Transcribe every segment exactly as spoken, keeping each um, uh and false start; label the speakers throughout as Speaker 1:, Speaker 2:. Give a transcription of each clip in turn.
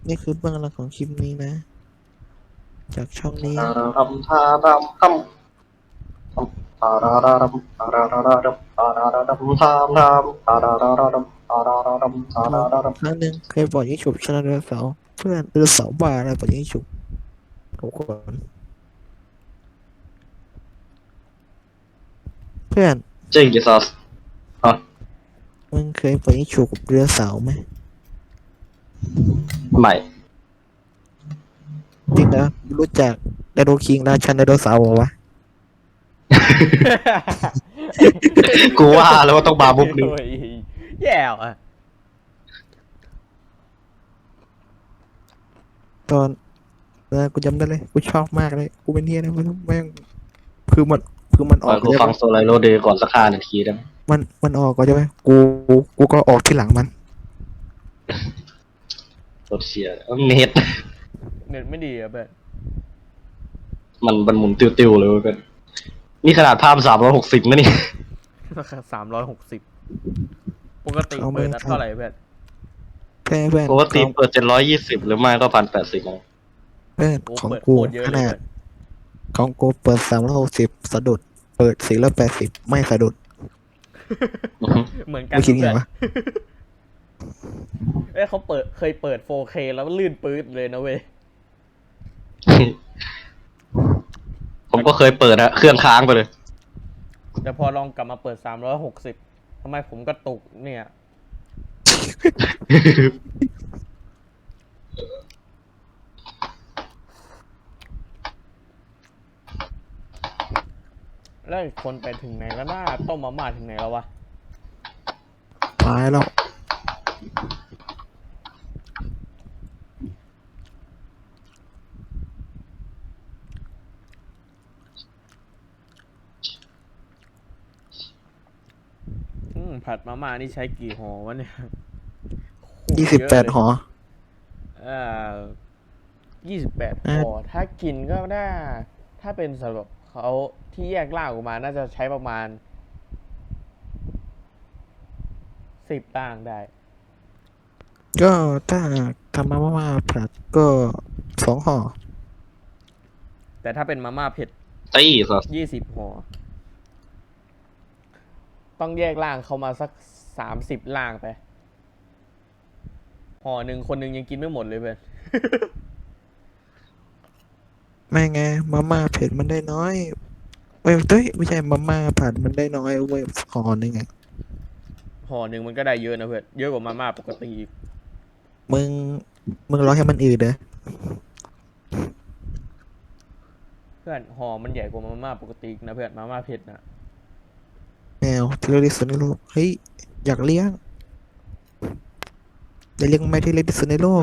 Speaker 1: นี่คือเบื้องหลังของคลิปนี้นะ จากช่องนี้
Speaker 2: ทา
Speaker 1: นะ
Speaker 2: รารัมทารัมทำทารารัมทารารัมทารารัมทามทามทารารัมทารารัมทา
Speaker 1: เรา
Speaker 2: รารัม
Speaker 1: ครั้งหนึ่งเคยบอกยิงฉุบชนะไดโนเสาร์เพื่อนไดโนเสาร์บ้าอะไรบอกยิงฉุบทุกคนเพื่อน
Speaker 2: จริงจิซัสฮะ
Speaker 1: มึงเคยบอกยิงฉุบกับไดโนเสาร์ไหม
Speaker 2: ใหม่
Speaker 1: จริงนะรู้จักไดโนคิงราชันไดโนเสาร์เหรอวะ
Speaker 2: กูว่าแล้วว่าต้องมามุกนี้
Speaker 3: โอ้ยแย่อ่ะ
Speaker 1: ตอนเออกูจำได้เลยกูชอบมากเลยกูเป็นเฮียนะไม่รู้แม่งคือมันคือมันอ
Speaker 2: ปล่อยกู
Speaker 1: อกใช่ปะ
Speaker 2: ฟังโซไลโรเดย์ก่อนสักห้านาทีได้ไหม
Speaker 1: มันมันออกก็ใช่ไหมกูกูก็ออกที่หลังมัน
Speaker 2: รถเชียร์เน็ต
Speaker 3: เน็ตไม่ดีอ่ะเพื่อน
Speaker 2: มันมันหมุนติ้วๆเลยเว้ยเพื่อนนี่ขนาดภาพสามร้อยหกสิบนะนี่
Speaker 3: ราคาสามร้อยหกสิบปกติ
Speaker 1: เอา
Speaker 3: เปิด
Speaker 1: ไม่
Speaker 3: นัด
Speaker 1: ทัน
Speaker 3: เท่าไหร่เพื่อน
Speaker 1: เพื่อนเพื่อน
Speaker 2: ปกติ
Speaker 1: ของ
Speaker 2: เปิดเจ็ดร้อยยี่สิบหรือไม่ก็พันแปดสิบ
Speaker 1: เพื่อน
Speaker 3: โอ้
Speaker 1: ของ
Speaker 3: เปิด
Speaker 1: กู
Speaker 3: โคตรเยอะ
Speaker 1: ข
Speaker 3: เลย
Speaker 1: นาด
Speaker 3: เพื่อน
Speaker 1: ของกูเปิดสามร้อยหกสิบสะดุด เปิดสี่ร้อยแปดสิบไม่สะดุด
Speaker 3: เหมือนกัน
Speaker 1: ไม่คิดไง
Speaker 3: เพื่อน
Speaker 1: วะ
Speaker 3: เอ้ยเขาเปิดเคยเปิด โฟร์เค แล้วลื่นปื๊ดเลยนะเว้ย
Speaker 2: ผมก็เคยเปิดอะเครื่องค้างไปเลย
Speaker 3: แต่พอลองกลับมาเปิดสามร้อยหกสิบทำไมผมกระตุกเนี่ย แล้วอีกคนไปถึงไหนแล้วน้าต้มมาม่าถึงไหนแล้ววะ
Speaker 1: ตายแล้ว
Speaker 3: อืมผัดมาม่านี่ใช้กี่ห่อวะเนี่ยโคตร
Speaker 1: ยี่สิบแปด
Speaker 3: เยอะเลย
Speaker 1: หอ
Speaker 3: เอ่อยี่สิบแปด
Speaker 1: อ่า
Speaker 3: ห่อถ้ากินก็ได้ ถ้าเป็นสำหรับเขาที่แยกล่างออกมา น่าจะใช้ประมาณสิบล่างได้
Speaker 1: ก็ถ้าทำมาม่าผัดก็สองห่อ
Speaker 3: แต่ถ้าเป็นมาม่าเผ็ด
Speaker 2: ตี้สัส
Speaker 3: ยี่สิบห่อ ต้องแยกล่างเข้ามาสักสามสิบล่างไป ห่อหนึ่งคนหนึ่งยังกินไม่หมดเลยเพื่อน
Speaker 1: ไม่ไงมาม่าเผ็ดมันได้น้อยเว้ยเต้ยไม่ใช่มาม่าผัดมันได้น้อยเว้ยห่อหนึ่งไง
Speaker 3: ห่อหนึ่งมันก็ได้เยอะนะเพื่อน เยอะกว่ามาม่าปกติอีก
Speaker 1: มึงมึงรอให้มันอืดเด้อ
Speaker 3: เพื่อนห่อมันใหญ่กว่ามาม่าปกติอีกนะเพื่อน มาม่าเผ็ดนะ
Speaker 1: แมวที่เล็กที่สุดในโลกเฮ้ยอยากเลี้ยงอยากเลี้ยงแมวที่เล็กที่สุดในโลก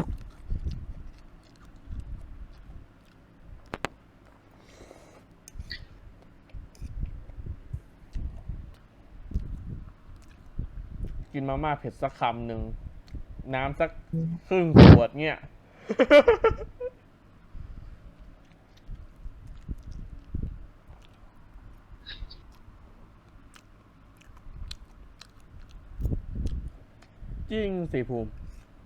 Speaker 3: กินมาม่าเผ็ดสักคำหนึ่ง น้ำสักครึ่งขวดเนี่ย จริงสิภูมิ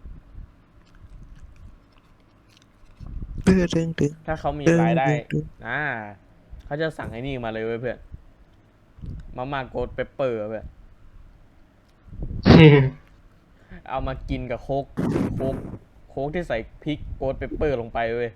Speaker 1: ตึ้งตึ้งตึ้ง
Speaker 3: ถ้าเขามี
Speaker 1: ตึ้ง
Speaker 3: รายได้
Speaker 1: ตึ้งตึ้ง
Speaker 3: อ่า เขาจะสั่งไอ้นี่มาเลยเว้ยเพื่อน มาม่าโกดเปปเปอร์เพื่อน เอามากินกับโค้กโค้กโค้กที่ใส่พริกโกดเปปเปอร์ลงไปเว้ย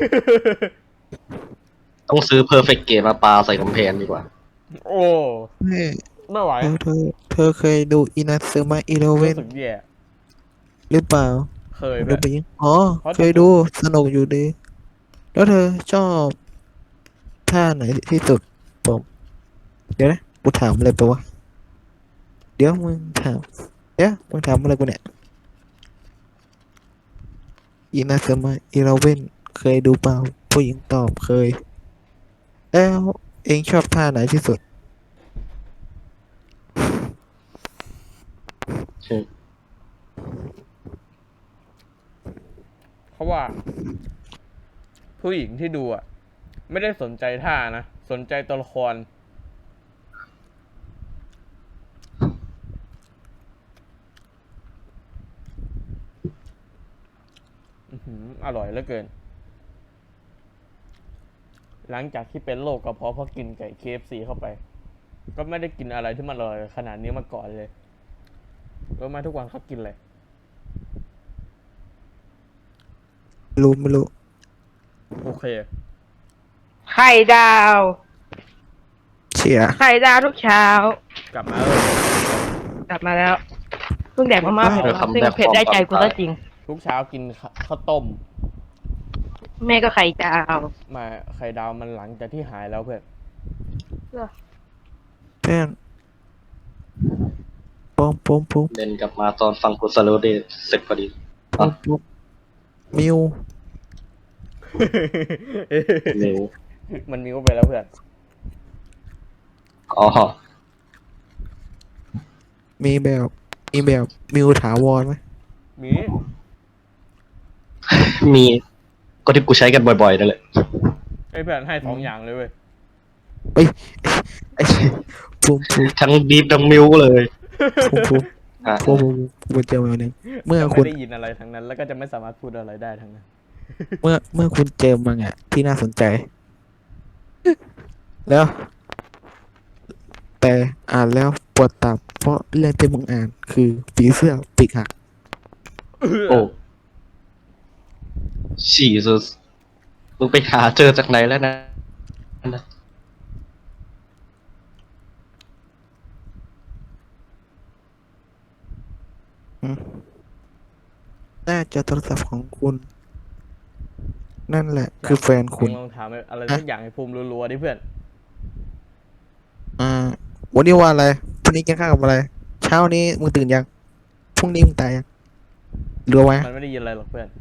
Speaker 2: ต้องซื้อเพอร์เฟกต์เกมาปาใส่กำแพงดีกว่า
Speaker 3: โอ้
Speaker 1: เฮ้ย
Speaker 3: ไม่ไหว
Speaker 1: เธอเธอเธอเคยดูอินาซึมะอีเลเว่
Speaker 3: รู้
Speaker 1: น
Speaker 3: สึกแย่
Speaker 1: หรือเปล่า
Speaker 3: เคย
Speaker 1: ดู
Speaker 3: เพื่อน
Speaker 1: ไปยังอ๋อ
Speaker 3: เพราะ
Speaker 1: เคยดูสนุกอยู่ดี แล้วเธอชอบท่าไหนที่สุดผมเดี๋ยวนะกูถามอะไรไปวะเดี๋ยวมึงถามเดี๋ยวมึงถามอะไรกูเนี่ยอินาซึมะอีเลเว่นเคยดูเปล่าผู้หญิงตอบเคย แล้วเองชอบท่าไหนที่สุด
Speaker 3: เพราะว่า ผู้หญิงที่ดูอ่ะ ไม่ได้สนใจท่านะ สนใจตัวละคร นอื้อหืออร่อยเหลือเกิน หลังจากที่เป็นโรคกระเพาะเพราะกินไก่ เค เอฟ ซี เข้าไป ก็ไม่ได้กินอะไรที่มันอร่อยขนาดนี้มาก่อนเลยรู้ไหมทุกวันเขากินอะไร
Speaker 1: รู้ไม่รู้
Speaker 3: โอเค
Speaker 4: ไข่ดาว
Speaker 1: เชียร์
Speaker 4: ไข่ดาวทุกเช้า
Speaker 3: กลับมาเออก
Speaker 4: ลับมาแล้วเพิ่งแดกมาม่าของเราซึ่งเผ็ดได้ใจกูก็จริง
Speaker 3: ทุกเช้ากินข้าข้าวต้ม
Speaker 4: แม่ก็ไข่ดาว
Speaker 3: มาไข่ดาวมันหลังจากที่หายแล้วเพื่อน
Speaker 1: เพื่อนปมปมปม
Speaker 2: เดินกลับมาตอนฟังกูสโลเดเสร็จพอดี
Speaker 1: ปมปมมิว
Speaker 2: เร็ว
Speaker 3: มันมีก็ไปแล้วเพื่อน
Speaker 2: อ๋อ
Speaker 1: มีแบบมีแบบมิวถาวรไหม
Speaker 3: มี
Speaker 2: มีก็ที่กูใช้กันบ่อยๆนั่นแหละ
Speaker 3: ไอ้เพื่อนให้สองอย่างเลยเว้ย
Speaker 1: เอ้ยไอ้ปมปม
Speaker 2: ทั้งบีฟทั้งมิวเลย
Speaker 1: ปมปม
Speaker 2: อ่ะ
Speaker 1: ปมปมปมเจอมาหนึ่งเมื่อ
Speaker 3: จะ
Speaker 1: คุ
Speaker 3: ไม่
Speaker 1: ณ
Speaker 3: ได้ยินอะไรทั้งนั้น แล้วก็จะไม่สามารถพูดอะไรได้ทั้งนั้น
Speaker 1: เมื่อเมื่อคุณเจอมังอ่ะที่น่าสนใจ แล้ว แต่อ่านแล้วปวดตับเพราะเรื่องที่มึงอ่านคือผีเสื้อปีกหัก
Speaker 2: โอ้ชีสุสมึงไปหาเจอจากไหนแล้วนะ
Speaker 1: น่าจะโทรศัพท์ของคุณ นั่นแหละ คือแฟนคุณ
Speaker 3: ลองถามอะไรสักอย่างให้ภูมิรัวๆดิเพื่อน
Speaker 1: อ่า วันนี้ว่าอะไรพรุ่งนี้กินข้าวกับอะไร เช้านี้มึงตื่นยังพรุ่งนี้มึงตายยังรู้ไหม
Speaker 3: มันไม่ได้ยินอะไรหรอกเพื่อน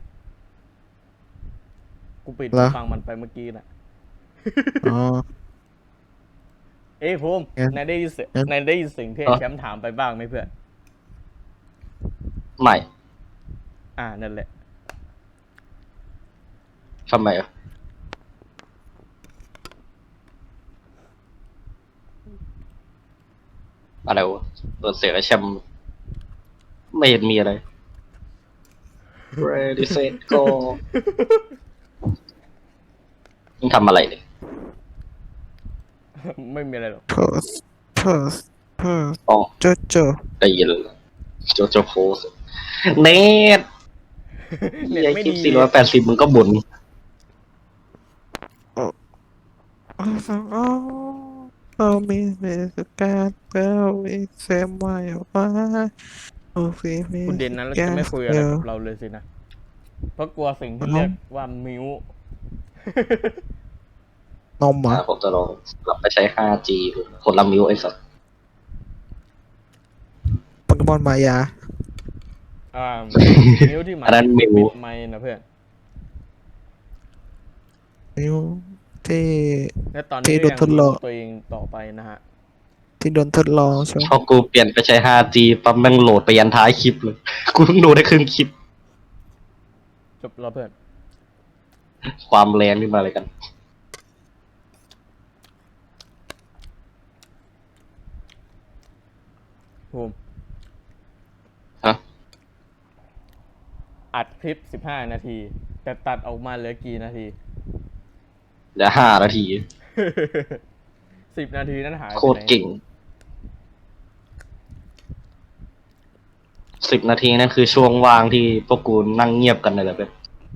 Speaker 3: กูปิด
Speaker 1: เหรอ
Speaker 3: ฟังมันไปเมื่อกี้น่ะ
Speaker 1: อ๋อ
Speaker 3: เอ้ยภูมิ
Speaker 1: งั้น
Speaker 3: นายได้ยินเสียง
Speaker 1: งั้น
Speaker 3: นายได้ยินเสียงที่ไอ้แชมป์ถามไปบ้างไหมเพื่อน
Speaker 2: ใหม่
Speaker 3: อ่า นั่นแหละ
Speaker 2: ทำไมอ่ะอะไรวะเปิดเสียงไอ้แชมป์ไม่เห็นมีอะไร ready set go มึงทำอะไรเนี่ย
Speaker 3: ไม่มีอะไรหรอก
Speaker 1: เพิร์สเพิร์สเพิร์ส
Speaker 2: อ๋อ
Speaker 1: โจโจ
Speaker 2: ได้ยินแล้วโจโจโพสเนท
Speaker 3: เน็ต
Speaker 2: ไอ้
Speaker 3: ไม่
Speaker 2: คลิ
Speaker 3: ดี
Speaker 2: ปสี่ร้อยแปดสิบมึงก็บ่น
Speaker 1: เรามีเมสการเรามีแซมไวว่าโอเคมี
Speaker 3: คุณเด่นนั้นแล้วจะไม่คุยอะไรกับเราเลยสินะ เพราะกลัวสิ่งที่เรียกว่ามิว
Speaker 1: นมเหรอ
Speaker 2: อ่าผมจะลองกลับไปใช้ ไฟว์จี ดูคนละมิวไอ้สัส
Speaker 1: โปเกมอนมายา
Speaker 3: อ่า มิวที่หมาย
Speaker 2: อันนั้นมิว
Speaker 3: ปิดไมค์นะเพื่อน
Speaker 1: มิวที่
Speaker 3: และตอน
Speaker 1: ที่
Speaker 3: นี้
Speaker 1: โด
Speaker 3: ก็
Speaker 1: น
Speaker 3: ยัง
Speaker 1: ทดลอง
Speaker 3: ตัวเองต่อไปนะฮะ
Speaker 1: ที่โดนทดลองใช่ไหม
Speaker 2: พอกูเปลี่ยนไปใช้ ไฟว์จี ปั๊บแม่งโหลดไปยันท้ายคลิปเลย กูเพิ่งดูได้ครึ่งคลิป
Speaker 3: จบแล้วเพื่อน
Speaker 2: ความแรงนี่มาอะไรกัน
Speaker 3: ภูมิ
Speaker 2: ฮะ
Speaker 3: อัดคลิปสิบห้านาที แต่ตัดออกมาเหลือกี่นาที
Speaker 2: เหลือห้านาที
Speaker 3: สิบนาทีนั้นหายไป
Speaker 2: โคตร
Speaker 3: ไหน
Speaker 2: เก่ง สิบนาทีนั่นคือช่วงว่างที่พวกกูนั่งเงียบกันเลยแหละเพื่อน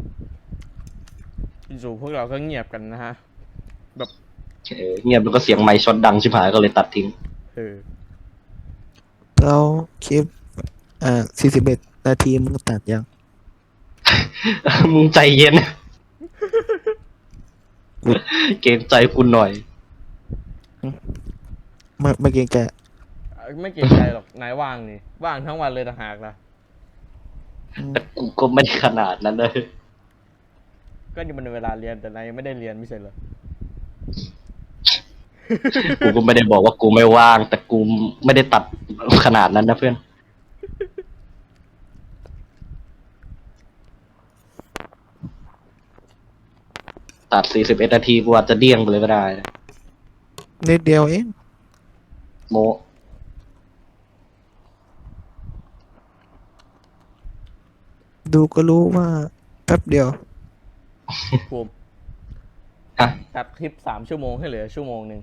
Speaker 3: อยู่พวกเราก็เงียบกันนะฮะ แบบ
Speaker 2: เออเงียบแล้วก็เสียงไมค์ช็อตดังชิบหายก็เลยตัดทิ้ง
Speaker 3: เออ
Speaker 1: แล้วคลิปอ่าสี่สิบเอ็ดนาทีมึงตัดยัง
Speaker 2: มึงใจเย็น เกรงใจคุณหน่อย
Speaker 1: ไม่ไม่เกรงใจ
Speaker 3: ไม่เกรงใจหรอก นายว่างนี่ ว่างทั้งวันเลยต่างหากล่ะ
Speaker 2: แต่กูก็ไม่ได้ขนาดนั้นเลย
Speaker 3: ก็นี่มันเวลาเรียนแต่นายยังไม่ได้เรียนไม่ใช่เหรอ
Speaker 2: กูก็ไม่ได้บอกว่ากูไม่ว่าง แต่กูไม่ได้ตัดขนาดนั้นนะเพื่อน ตัดสี่สิบเอ็ดนาทีกูอาจจะเดี้ยงไปเลยก็ได้นะ
Speaker 1: นิดเดียวเอง
Speaker 2: โม
Speaker 1: ดูก็รู้ว่าแป๊บเดียว
Speaker 3: ภูมิ
Speaker 2: ฮะ
Speaker 3: ตัดคลิปสามชั่วโมงให้เหลือชั่วโมงหนึ่ง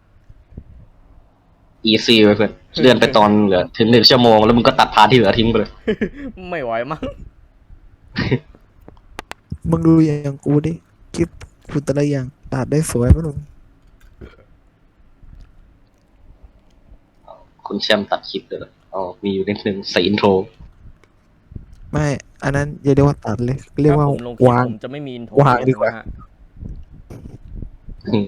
Speaker 2: อีซีไปเพื่อนเลื่อนไปตอนเหลือถึงหนึ่งชั่วโมงแล้วมึงก็ตัดพาร์ทที่เหลือทิ้งไปเลย
Speaker 3: ไม่ไหวมั้ง
Speaker 1: มึงดูอย่างกูดิคลิปกูแต่ละอย่างตัดได้สวยมั้งลุง
Speaker 2: คุณแชมป์ตัดคลิปเลยเหรออ๋อมีอยู่นิดนึงใส่อินโทร
Speaker 1: ไม่อันนั้นอย่าเรียกว่าตัดเลย เรียกว่า
Speaker 3: ถ้ผมลงคลิป
Speaker 1: วาง
Speaker 3: ผมจะไม่มีอินโทร
Speaker 1: วางดีกว่า
Speaker 3: นะฮะ
Speaker 2: อืม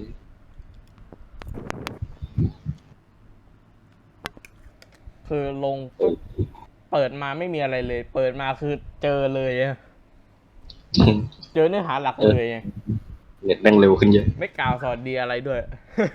Speaker 3: คือลงปุ๊บเปิดมาไม่มีอะไรเลย เปิดมาคือเจอเลยอะเจอเนื้อหาหลักเลยไง
Speaker 2: เน็ตแม่งเร็วขึ้นเยอะ
Speaker 3: ไม่กล่าวสวัสดีอะไรด้วย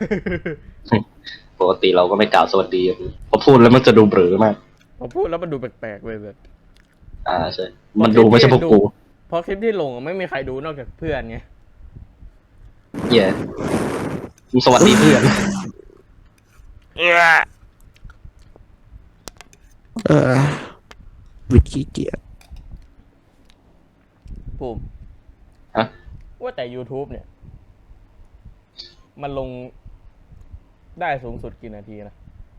Speaker 2: ปกติเราก็ไม่กล่าวสวัสดีพอพูดแล้วมันจะดูเบลอมาก
Speaker 3: พอพูดแล้วมันดูแปลกๆเลยแบบ
Speaker 2: อ่าใช่ มันดูไม่ใช่พวกกู
Speaker 3: เพราะคลิปที่ลงอะไม่มีใครดูนอกจากเพื่อนไง
Speaker 2: เย่มึงสวัสดีเพื่อน
Speaker 1: เออวิขี้เกียจ
Speaker 3: ภูมิ
Speaker 2: ฮะ
Speaker 3: ว่าแต่ YouTube เนี่ย มันลงได้สูงสุดกี่นาทีนะ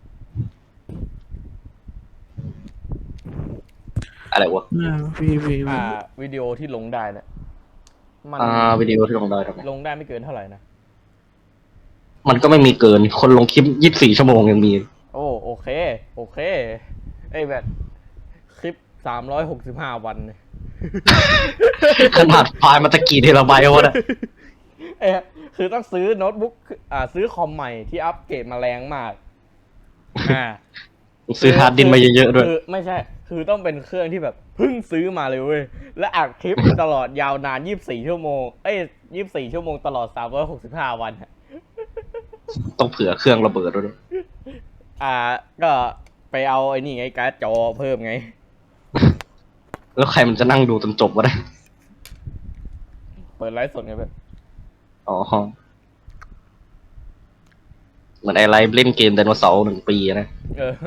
Speaker 2: อะไรวะ
Speaker 1: อ่าวีวีวี
Speaker 3: อ่า วิดีโอที่ลงได้เนี่ยมัน
Speaker 2: อ่าวิดีโอที่ลงได้ทำไม
Speaker 3: ลงได้ไม่เกินเท่าไหร่นะ
Speaker 2: มันก็ไม่มีเกิน คนลงคลิปยี่สิบสี่ชั่วโมงยังมี
Speaker 3: โอ้โอเค โอเคไอ้แบบคลิปสามร้อยหกสิบห้าวันเนี่ย
Speaker 2: ขนาดไฟล์มันตะกี้เทราไบต์วะเนี่ย
Speaker 3: เอ้ยคือต้องซื้อโน้ตบุ๊กอ่าซื้อคอมใหม่ที่อัปเกรดมาแรงมาก อ่า
Speaker 2: ซื้อฮาร์ดดินมาเยอะๆด้วย
Speaker 3: คือไม่ใช่ คือต้องเป็นเครื่องที่แบบเพิ่งซื้อมาเลยเว้ย และอัดคลิปตลอดยาวนานยี่สิบสี่ชั่วโมง เอ้ยยี่สิบสี่ชั่วโมงตลอดสามร้อยหกสิบห้าวันอะ
Speaker 2: ต้องเผื่อเครื่องระเบิดด้วย
Speaker 3: อ่า ก็ไปเอาไอ้นี่ไงการ์ดจอเพิ่มไง
Speaker 2: แล้วใครมันจะนั่งดูจนจบวะเนี่ย
Speaker 3: เปิดไลฟ์สดไงแบบ
Speaker 2: อ๋อ เหมือนไอไลฟ์เล่นเกมไดโนเสาร์หนึ่งปีนะ
Speaker 3: เออ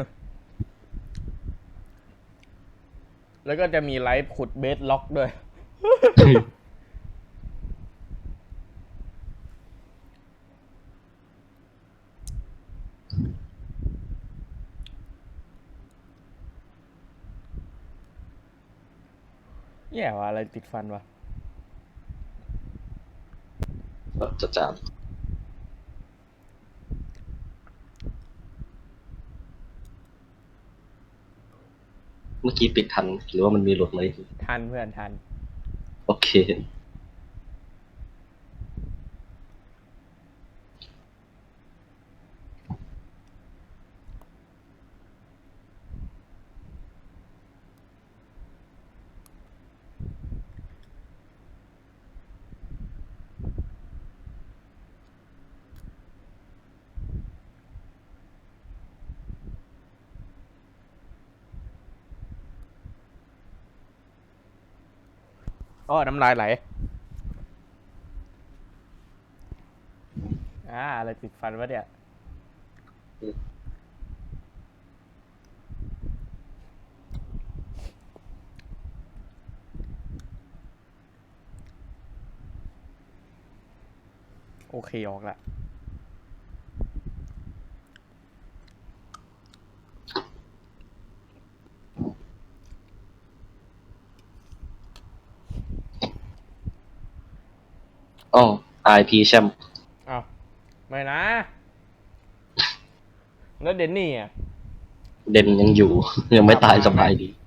Speaker 3: แล้วก็จะมีไลฟ์ขุดเบสล็อกด้วย แย่ว่ะอะไรติดฟันวะ
Speaker 2: จะจามเมื่อกี้ปิดทัน หรือว่ามันมีหลุดไหม
Speaker 3: ทันเพื่อนทัน
Speaker 2: โอเค
Speaker 3: อ้อน้ำลายไหล อ่า อะไรติดฟันวะเนี่ย โอเค ออกละ
Speaker 2: อ๋อ ไอ พี แชมป์
Speaker 3: อ้าว ไม่นะ แล้วเดนนี่อ่ะ
Speaker 2: เด่นยังอยู่ ยังไม่ตายสบายดี